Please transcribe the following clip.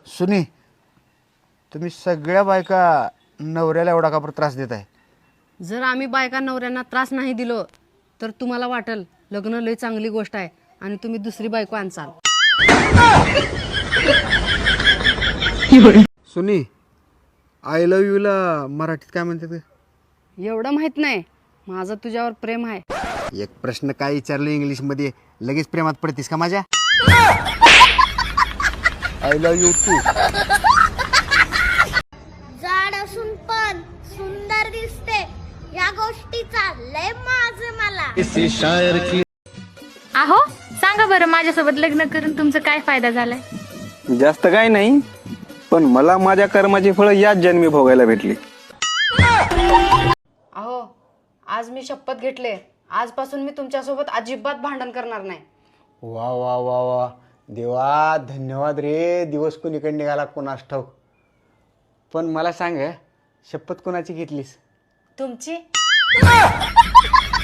सुनी, तुम्ही सगळ्या बायका नवऱ्याला एवढा का बरं त्रास देत आहे? जर आम्ही बायका नवऱ्यांना त्रास नाही दिलो तर तुम्हाला वाटेल लग्न लय चांगली गोष्ट आहे आणि तुम्ही दुसरी बायको आणसाल. सुनी, आय लव्ह यूला मराठीत काय म्हणतात? एवढं माहित नाही, माझं तुझ्यावर प्रेम आहे. एक प्रश्न काय विचारलं इंग्लिशमध्ये लगेच प्रेमात पडतीस का माझ्या? I love you too. जाड असून पण सुंदर दिसते या गोष्टीचा लय माझं मला. आहो सांगा बरं, माझ्यासोबत लग्न करून तुमचा काय फायदा झालाय? जास्त काय नाही, पण मला माझ्या कर्माची फळं याच जन्मी भोगायला भेटली. अहो, आज मी शपथ घेतले, आजपासून मी तुमच्यासोबत अजिबात भांडण करणार नाही. वा वा वा वा, देवा धन्यवाद रे. दिवस कोणीकडे निघाला कोणास ठाऊक. पण मला सांग, शपथ कोणाची घेतलीस? तुमची?